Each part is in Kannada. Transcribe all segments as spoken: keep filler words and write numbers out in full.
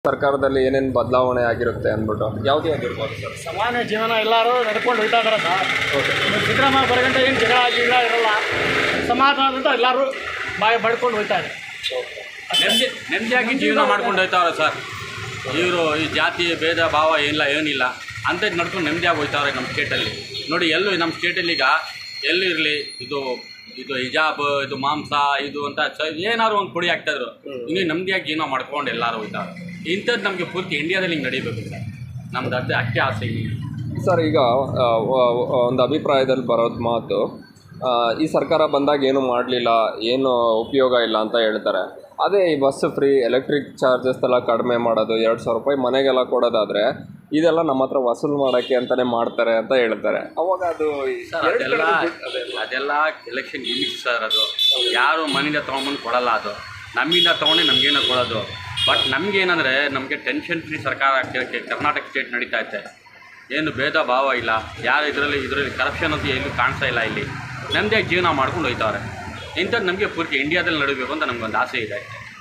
ಸರ್ಕಾರದಲ್ಲಿ ಏನೇನು ಬದಲಾವಣೆ ಆಗಿರುತ್ತೆ ಅಂದ್ಬಿಟ್ಟು ಯಾವುದೇ ಆಗಿರ್ಬೋದು ಸರ್. ಸಾಮಾನ್ಯ ಜೀವನ ಎಲ್ಲರೂ ನಡ್ಕೊಂಡು ಹೋಗ್ತಾ ಇದ್ದಾರೆ ಸರ್. ಓಕೆ. ಸಿದ್ದರಾಮಯ್ಯ ಬರಗಂಟೆ ಏನು ಜಗಳ ಗಿಗಳ ಇರಲ್ಲ, ಸಮಾಧಾನದಿಂದ ಎಲ್ಲರೂ ಬಾಯಿ ಬಡ್ಕೊಂಡು ಹೋಗ್ತಾರೆ. ನೆಮ್ಮದಿ ನೆಮ್ಮದಿಯಾಗಿ ಜೀವನ ಮಾಡ್ಕೊಂಡು ಹೋಗ್ತಾವ್ರೆ ಸರ್. ಇವರು ಈ ಜಾತಿ ಭೇದ ಭಾವ ಏನಿಲ್ಲ ಏನಿಲ್ಲ ಅಂಥದ್ದು ನಡ್ಕೊಂಡು ನೆಮ್ಮದಿಯಾಗಿ ಹೋಗ್ತಾವ್ರೆ ನಮ್ಮ ಸ್ಟೇಟಲ್ಲಿ. ನೋಡಿ ಎಲ್ಲೂ ನಮ್ಮ ಸ್ಟೇಟಲ್ಲಿ ಈಗ ಎಲ್ಲೂ ಇರಲಿ ಇದು ಇದು ಹಿಜಾಬ್ ಇದು ಮಾಂಸ ಇದು ಅಂತ ಏನಾದ್ರು ಒಂದು ಪುಡಿ ಹಾಕ್ತಾಯಿದ್ರು, ಇನ್ನೂ ನೆಮ್ಮದಿಯಾಗಿ ಜೀವನ ಮಾಡ್ಕೊಂಡು ಎಲ್ಲರೂ ಹೋಗ್ತಾರೆ. ಇಂಥದ್ದು ನಮಗೆ ಪೂರ್ತಿ ಇಂಡಿಯಾದಲ್ಲಿ ಹಿಂಗೆ ನಡೀಬೇಕು ಸರ್. ನಮ್ದು ಅದೇ ಅಷ್ಟೇ ಆಸೆ ಸರ್. ಈಗ ಒಂದು ಅಭಿಪ್ರಾಯದಲ್ಲಿ ಬರೋದು ಮಾತು, ಈ ಸರ್ಕಾರ ಬಂದಾಗ ಏನು ಮಾಡಲಿಲ್ಲ, ಏನು ಉಪಯೋಗ ಇಲ್ಲ ಅಂತ ಹೇಳ್ತಾರೆ. ಅದೇ ಈ ಬಸ್ ಫ್ರೀ, ಎಲೆಕ್ಟ್ರಿಕ್ ಚಾರ್ಜಸ್ ಎಲ್ಲ ಕಡಿಮೆ ಮಾಡೋದು, ಎರಡು ಸಾವಿರ ರೂಪಾಯಿ ಮನೆಗೆಲ್ಲ ಕೊಡೋದಾದರೆ ಇದೆಲ್ಲ ನಮ್ಮ ಹತ್ರ ವಸೂಲು ಮಾಡೋಕ್ಕೆ ಅಂತಲೇ ಮಾಡ್ತಾರೆ ಅಂತ ಹೇಳ್ತಾರೆ. ಅವಾಗ ಅದು ಅದೆಲ್ಲ ಅದೆಲ್ಲ ಎಲೆಕ್ಷನ್ ಗಿಮಿಕ್ಸ್ ಸರ್. ಅದು ಯಾರು ಮನೆಯಿಂದ ತೊಗೊಂಬಂದು ಕೊಡಲ್ಲ, ಅದು ನಮ್ಮಿಂದ ತೊಗೊಂಡು ನಮಗೇನೋ ಕೊಡೋದು. ಬಟ್ ನಮಗೇನಂದರೆ ನಮಗೆ ಟೆನ್ಷನ್ ಫ್ರೀ ಸರ್ಕಾರ ಆಗ್ತಿರೋಕ್ಕೆ ಕರ್ನಾಟಕ ಸ್ಟೇಟ್ ನಡೀತಾ ಐತೆ. ಏನು ಭೇದ ಭಾವ ಇಲ್ಲ, ಯಾರು ಇದರಲ್ಲಿ ಇದರಲ್ಲಿ ಕರಪ್ಷನ್ ಅಂತ ಎಲ್ಲೂ ಕಾಣಿಸ್ತಾ ಇಲ್ಲ. ಇಲ್ಲಿ ನಮ್ಮದೇ ಜೀವನ ಮಾಡ್ಕೊಂಡು ಹೋಗ್ತಾವ್ರೆ. ಇಂಥದ್ದು ನಮಗೆ ಪೂರ್ತಿ ಇಂಡಿಯಾದಲ್ಲಿ ನಡೀಬೇಕು ಅಂತ ನಮಗೊಂದು ಆಸೆ ಇದೆ.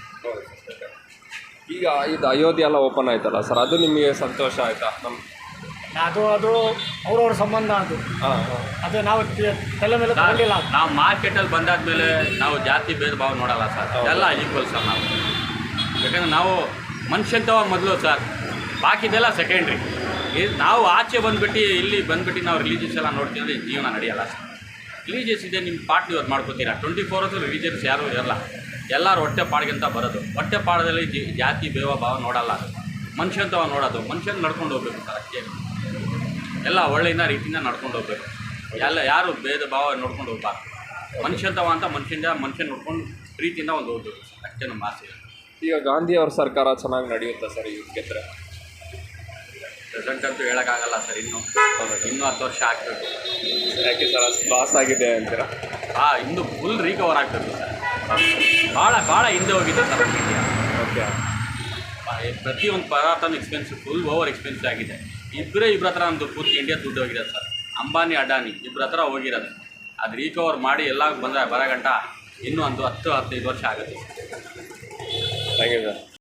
ಈಗ ಇದು ಅಯೋಧ್ಯೆ ಎಲ್ಲ ಓಪನ್ ಆಯ್ತಲ್ಲ ಸರ್, ಅದು ನಿಮಗೆ ಸಂತೋಷ ಆಯಿತಾ? ನಮ್ಮ ಅದು ಅದು ಅವ್ರವ್ರ ಸಂಬಂಧ ಅದು. ಹಾಂ ಹಾಂ ಅದೇ ನಾವು ತಲೆ ಮೇಲೆ ತಗೊಂಡಿಲ್ಲ. ನಾವು ಮಾರ್ಕೆಟಲ್ಲಿ ಬಂದಾದ್ಮೇಲೆ ನಾವು ಜಾತಿ ಭೇದ ಭಾವ ನೋಡಲ್ಲ ಸರ್, ಎಲ್ಲ ಈಕ್ವಲ್ ಸರ್ ನಾವು. ಯಾಕಂದರೆ ನಾವು ಮನುಷ್ಯಂತವ ಮೊದಲು ಸರ್, ಬಾಕಿದೆಲ್ಲ ಸೆಕೆಂಡ್ರಿ. ಇದು ನಾವು ಆಚೆ ಬಂದುಬಿಟ್ಟು ಇಲ್ಲಿ ಬಂದುಬಿಟ್ಟು ನಾವು ರಿಲೀಜಿಯಸ್ ಎಲ್ಲ ನೋಡ್ತೀವಿ ಅಂದರೆ ಜೀವನ ನಡೆಯಲ್ಲ ಸರ್. ರಿಲೀಜಿಯಸ್ ಇದೆ, ನಿಮ್ಮ ಪಾರ್ಟ್ ನೀವು ಅದು ಮಾಡ್ಕೋತೀರಾ. ಟ್ವೆಂಟಿ ಫೋರ್ ಅವರ್ಸು ರಿಲೀಜಿಯಸ್ ಯಾರೂ ಇರಲ್ಲ, ಎಲ್ಲರೂ ಹೊಟ್ಟೆ ಪಾಡಿಗೆಂತ ಬರೋದು. ಹೊಟ್ಟೆ ಪಾಡದಲ್ಲಿ ಜಿ ಜಾತಿ ಭೇದ ಭಾವ ನೋಡಲ್ಲ, ಮನುಷ್ಯಂತವ ನೋಡೋದು. ಮನುಷ್ಯನ ನಡ್ಕೊಂಡು ಹೋಗ್ಬೇಕು ಸರ್, ಅಷ್ಟೇ. ಎಲ್ಲ ಒಳ್ಳೆಯಿಂದ ರೀತಿಯಿಂದ ನಡ್ಕೊಂಡು ಹೋಗ್ಬೇಕು. ಎಲ್ಲ ಯಾರು ಭೇದ ಭಾವ ನೋಡ್ಕೊಂಡು ಹೋಗ್ಬಾರ್ದು. ಮನುಷ್ಯಂತವ ಅಂತ ಮನುಷ್ಯಂದ ಮನುಷ್ಯನ ನೋಡ್ಕೊಂಡು ಪ್ರೀತಿಯಿಂದ ಒಂದು ಹೋಗ್ಬೇಕು ಸರ್, ಅಷ್ಟೇ ನಮ್ಮ ಆಸೆ. ಈಗ ಗಾಂಧಿ ಅವ್ರ ಸರ್ಕಾರ ಚೆನ್ನಾಗಿ ನಡೆಯುತ್ತೆ ಸರ್ ಈಗ ಗೆದ್ದರೆ? ಪ್ರೆಸೆಂಟ್ ಅಂತೂ ಹೇಳೋಕ್ಕಾಗಲ್ಲ ಸರ್. ಇನ್ನೂ ಇನ್ನೂ ಹತ್ತು ವರ್ಷ ಆಗಬೇಕು. ಯಾಕೆ ಸರ್ ಅಷ್ಟು ಲಾಸ್ ಆಗಿದೆ ಅಂತೀರಾ? ಹಾಂ, ಇನ್ನೂ ಫುಲ್ ರಿಕವರ್ ಆಗಬೇಕು ಸರ್. ಭಾಳ ಭಾಳ ಹಿಂದೆ ಹೋಗಿದೆ ಸರ್ ಇಂಡಿಯಾ. ಓಕೆ. ಪ್ರತಿಯೊಂದು ಪದಾರ್ಥನೂ ಎಕ್ಸ್ಪೆನ್ಸಿವ್, ಫುಲ್ ಓವರ್ ಎಕ್ಸ್ಪೆನ್ಸಿವ್ ಆಗಿದೆ. ಇಬ್ಬರೇ ಇಬ್ಬರ ಹತ್ರ ನಮ್ಮದು ಪೂರ್ತಿ ಇಂಡಿಯಾ ದುಡ್ಡು ಹೋಗಿದೆ ಸರ್. ಅಂಬಾನಿ ಅಡಾನಿ ಇಬ್ಬರ ಹತ್ರ ಹೋಗಿರೋದು. ಅದು ರಿಕವರ್ ಮಾಡಿ ಎಲ್ಲ ಬಂದರೆ ಬರೋ ಗಂಟ ಇನ್ನೂ ಒಂದು ಹತ್ತು ಹದಿನೈದು ವರ್ಷ ಆಗುತ್ತೆ. Thank you sir.